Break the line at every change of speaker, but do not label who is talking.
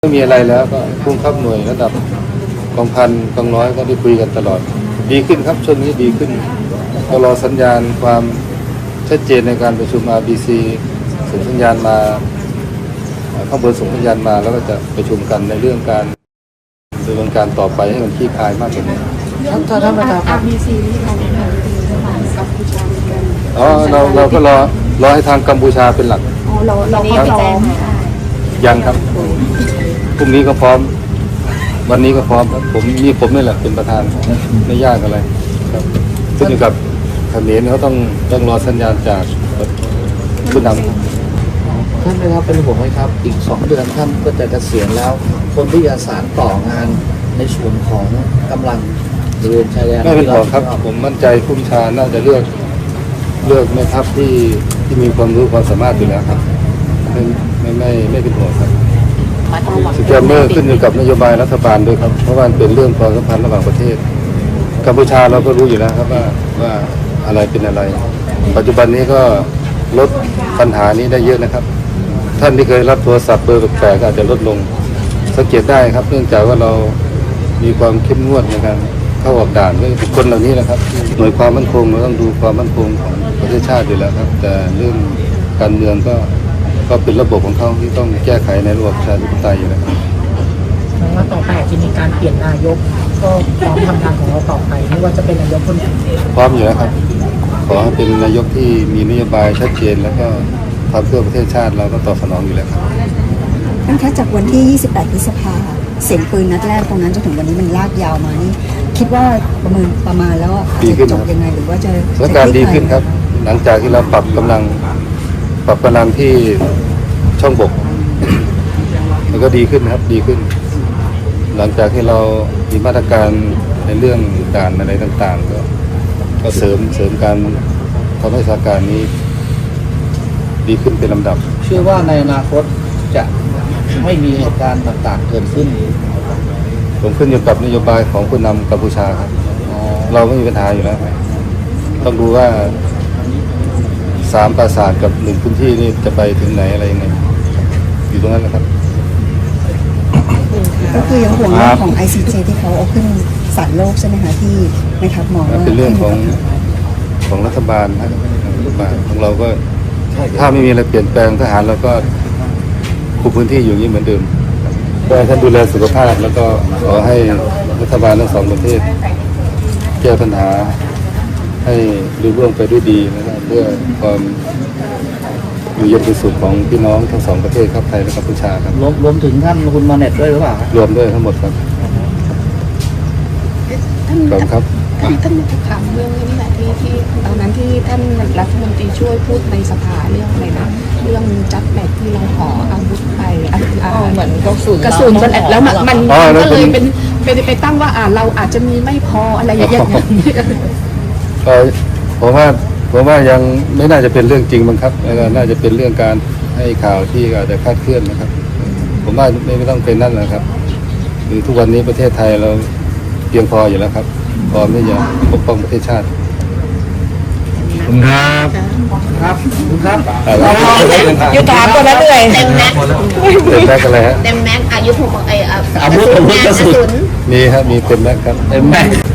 ไม่มีอะไรแล้วก็พุ่งขับหน่วยระดับกองพันกองร้อยก็ได้คุยกันตลอดดีขึ้นครับช่วงนี้ดีขึ้นก็รอสัญญาณความชัดเจนในการประชุม RBC ส่งสัญญาณมาข้างบนส่งสัญญาณมาแล้วก็จะประชุมกันในเรื่องการดำเนินการต่อไปให้มันคลี่คลายมากกว่านี้
ท่านประธานครับ
RBC นี่เราเป็นกัมพูชาเหมือนกัน
อ๋อเราก็รอให้ทางกัมพูชาเป็นหลัก
อ๋อเราก็พร้อม
ยังครับพรุ่งนี้ก็พร้อมวันนี้ก็พร้อมครับผมนี่แหละเป็นประธานไม่ยากอะไรครับขึ้นอยู่กับเขมรเขาต้องรอสัญญาณจากผู้นำ
ท่านนะครับเป็นห่วงไหมครับอีก2 เดือนท่านก็จะเกษียณแล้วคนที่จะสานต่องานในส่วนของกำลังบริเวณชายแดน
ไม่เป็นห่วงครับผมมั่นใจผู้บัญชาน่าจะเลือกแม่ทัพที่มีความรู้ความสามารถอยู่แล้วครับไม่เป็นห่วงครับสแกมเมอร์ขึ้นอยู่กับนโยบายรัฐบาลด้วยครับเพราะว่าเป็นเรื่องความสัมพันธ์ระหว่างประเทศกัมพูชาเราก็รู้อยู่แล้วครับว่าอะไรเป็นอะไรปัจจุบันนี้ก็ลดปัญหานี้ได้เยอะนะครับท่านที่เคยรับโทรศัพท์เบอร์แปลกๆอาจจะลดลงสังเกตได้ครับเนื่องจากว่าเรามีความเข้มงวดในการเข้าออกด่านด้วยคนเหล่านี้นะครับหน่วยความมั่นคงเราต้องดูความมั่นคงของประเทศชาติอยู่แล้วครับแต่เรื่องการเมืองก็เป็นระบบของเขาที่ต้องแก้ไขในระบบประชาธิปไตยอยู่แล้ว
ว่าต่อไปจะมีการเปลี่ยนนายกก็พร้อมทำงานของเราต่อไปไม่ว่าจะเป็นนายกคนไหน
พร้อมอยู่แล้วครับขอให้เป็นนายกที่มีนโยบายชัดเจนแล้วก็ทำเพื่อประเทศชาติเราก็ตอบสนองอยู่แล้วครับ
ตั้งแต่จากวันที่ 28 พฤษภาเสียงปืนนัดแรกตรงนั้นจนถึงวันนี้มันลากยาวมานี่คิดว่าประมาณแล้วจะจบยังไงหรือว่าจะ
สถานการณ์ดีขึ้นครับหลังจากที่เราปรับกำลังที่ช่องบกมันก็ดีขึ้นนะครับดีขึ้นหลังจากที่เรามีมาตรการในเรื่องด่านอะไรต่างๆก็เสริมการทำให้สถานการณ์นี้ดีขึ้นเป็นลำดับ
เชื่อว่าในอนาคตจะไม่มีเหตุการณ์ต่างๆเกิดขึ้น
ผมขึ้นอยู่กับนโยบายของผู้นำกัมพูชาครับเราไม่มีปัญหาอยู่แล้วต้องดูว่า3 ปราสาทกับ1 พื้นที่นี่จะไปถึงไหนอะไรยังไงอยู่ตรงนั้นนะครับ
ก็คือยังห่วงเรื่องของ ICJ ที่เขาเอาขึ้นศาลโลกใช่ไหมคะที่ไม่ทับมองว่า
เป็นเรื่องของรัฐบาลนะรัฐบาลของเราก็ถ้าไม่มีอะไรเปลี่ยนแปลงทหารเราก็คุมพื้นที่อยู่อย่างนี้เหมือนเดิมก็ท่านดูแลสุขภาพแล้วก็ขอให้รัฐบาลทั้ง2 ประเทศแก้ปัญหาให้ลุล่วงไปด้วยดีนะครับเพื่อความอยู่เย็นเป็นสุขของพี่น้องทั้ง2 ประเทศครับไทยและกัมพูชาครับ
รวมถึงท่านคุณมาเน็ตด้วยหรือเปล่าร
วมด้วยทั้งหมดครับครับ
ท่านถามเรื่องนี้แหละที่ตอนนั้นที่ท่านรัฐมนตรีช่วยพูดในสภาเรื่องอะไรนะเรื่องจัดแบกที่เราขออาวุธไป
เหมือนกระสุน
แล้วมันก็เลยเป็นไปตั้งว่าเราอาจจะมีไม่พออะไรอย่างเงี้ย
ผมว่ายังไม่น่าจะเป็นเรื่องจริงมั้งครับน่าจะเป็นเรื่องการให้ข่าวที่อาจจะคลาดเคลื่อนนะครับผมว่าไม่ต้องเป็นนั่นแหละครับคือทุกวันนี้ประเทศไทยเราเพียงพออยู่แล้วครับพร้อมที่จะปกป้องประเทศชาติ
คุณครับคุณครับ
อยู่ถามคนละเลย
เต็มแม็กอะไรฮะ
เต็มแม็กอายุผม
อาวุธกระสุน
มีครับมีเต็มแม็กครับ
เต็มแม็ก